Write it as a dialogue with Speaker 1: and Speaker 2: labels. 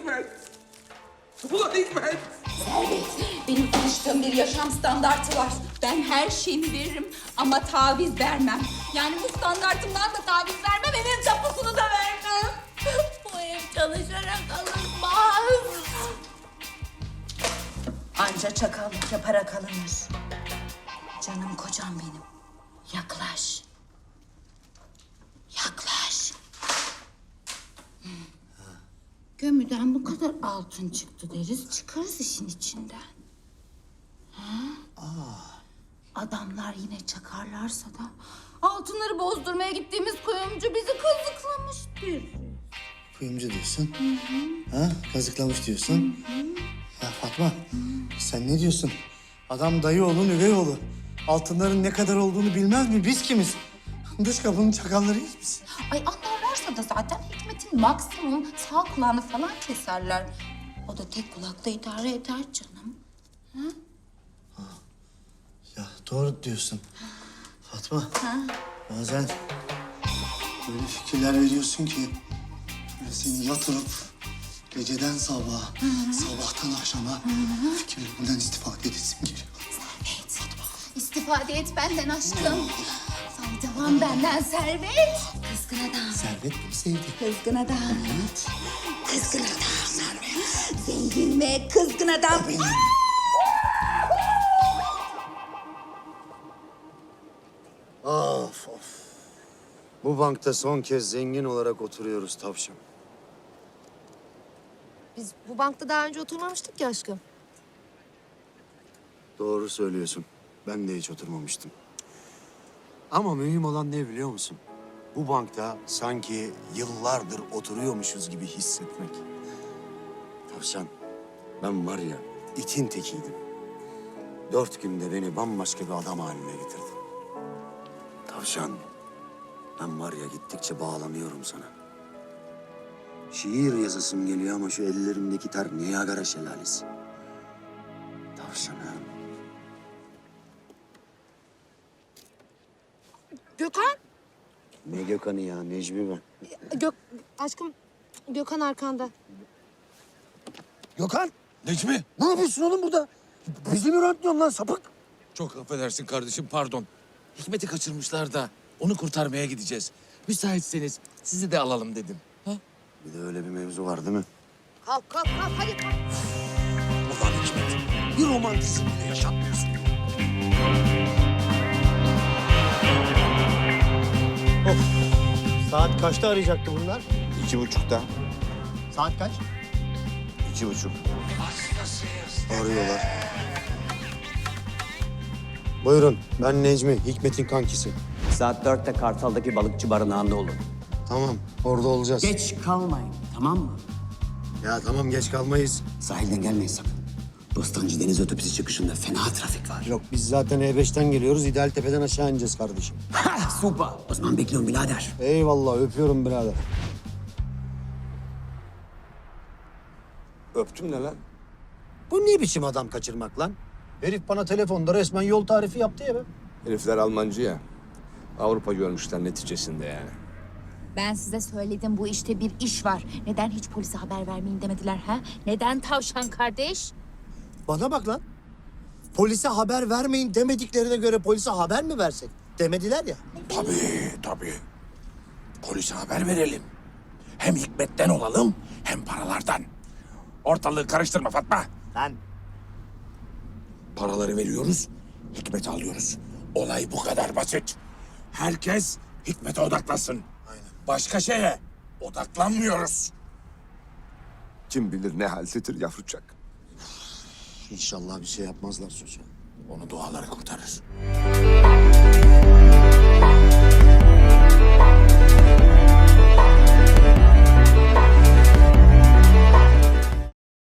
Speaker 1: Hikmet. Ulan Hikmet.
Speaker 2: Servet, benim tanıştığım bir yaşam standartı var. Ben her şeyimi veririm ama taviz vermem. Yani bu standartımdan da taviz vermem, evin tapusunu da vermem. Bu ev çalışarak alınmaz. Anca çakallık yaparak alınır. Canım kocam benim. Yaklaş. Yaklaş. Gömüden bu kadar altın çıktı deriz, çıkarız işin içinden. Adamlar yine çakarlarsa da altınları bozdurmaya gittiğimiz kuyumcu bizi kazıklamıştır.
Speaker 3: Kuyumcu diyorsun. Ha? Kazıklamış diyorsun. Ya Fatma, sen ne diyorsun? Adam dayı oğlun, üvey oğlu. Altınların ne kadar olduğunu bilmez mi? Biz kimiz? Dış kapının çakallarıyız biz.
Speaker 2: Ay anlarlarsa da zaten Hikmet'in maksimum sağ kulağını falan keserler. O da tek kulakta idare eder canım.
Speaker 3: Ya doğru diyorsun. Fatma, bazen böyle fikirler veriyorsun ki... ...böyle seni yatırıp geceden sabaha, sabahtan akşama fikirlerinden istifade edesim geliyor.
Speaker 2: Servet, istifade et benden aşkım. Faydalan benden Servet. Kızgın adam.
Speaker 3: Servet mi sevdi?
Speaker 2: Kızgın adam. Evet. Kızgın adam. Servet. Zengin ve kızgın adam.
Speaker 3: Benim. Of of. Bu bankta son kez zengin olarak oturuyoruz tavşan.
Speaker 4: Biz bu bankta daha önce oturmamıştık ki aşkım.
Speaker 3: Doğru söylüyorsun. Ben de hiç oturmamıştım. Ama mühim olan ne biliyor musun? Bu bankta sanki yıllardır oturuyormuşuz gibi hissetmek. Tavşan, ben var ya itin tekiydim. 4 günde beni bambaşka bir adam haline getirdin. Tavşan, ben var ya gittikçe bağlanıyorum sana. Şiir yazasım geliyor ama şu ellerimdeki ter Niagara şelalesi. Tavşanım.
Speaker 4: Gökhan.
Speaker 3: Ne Gökhan'ı ya, Necmi ben.
Speaker 4: Aşkım Gökhan arkanda.
Speaker 3: Gökhan,
Speaker 1: Necmi.
Speaker 3: ne yapıyorsun oğlum burada? Bizi mi röntliyorsun lan sapık?
Speaker 1: Çok affedersin kardeşim, pardon. Hikmet'i kaçırmışlar da onu kurtarmaya gideceğiz. Müsaitseniz sizi de alalım dedim. Ha?
Speaker 3: Bir de öyle bir mevzu var değil mi?
Speaker 4: Kalk hadi kalk.
Speaker 1: Ulan Hikmet, bir romantizm bile yaşatmıyorsun.
Speaker 3: Saat kaçta arayacaktı bunlar?
Speaker 5: 2.30'da.
Speaker 3: Saat kaç?
Speaker 5: 2.30.
Speaker 3: Arıyorlar. Buyurun, ben Necmi, Hikmet'in kankisi.
Speaker 6: Saat 4'te Kartal'daki balıkçı barınağında olun.
Speaker 3: Tamam, orada olacağız.
Speaker 6: Geç kalmayın, tamam mı?
Speaker 3: Ya tamam, geç kalmayız.
Speaker 6: Sahilden gelmeyin sakın. Bostancı Deniz Otobüsü çıkışında fena trafik var.
Speaker 3: Yok, biz zaten E5'ten geliyoruz. İdealtepe'den aşağı ineceğiz kardeşim.
Speaker 6: Ha, süper. O zaman bekliyorum birader.
Speaker 3: Eyvallah, öpüyorum birader.
Speaker 5: Öptüm ne lan?
Speaker 3: Bu ne biçim adam kaçırmak lan? Herif bana telefonda resmen yol tarifi yaptı ya be.
Speaker 5: Herifler Almancı ya. Avrupa görmüşler neticesinde yani.
Speaker 2: Ben size söyledim, bu işte bir iş var. Neden hiç polise haber vermeyin demediler ha? Neden tavşan kardeş?
Speaker 3: Bana bak lan. Polise haber vermeyin demediklerine göre polise haber mi versek? Demediler ya.
Speaker 1: Tabii. Polise haber verelim. Hem Hikmet'ten olalım, hem paralardan. Ortalığı karıştırma Fatma.
Speaker 3: Lan.
Speaker 1: Paraları veriyoruz, Hikmet'i alıyoruz. Olay bu kadar basit. Herkes Hikmet'e odaklasın.
Speaker 3: Aynen.
Speaker 1: Başka şeye odaklanmıyoruz.
Speaker 5: Kim bilir ne haldedir yavrucak.
Speaker 3: İnşallah bir şey yapmazlar çocuğa.
Speaker 1: Onu duaları kurtarır.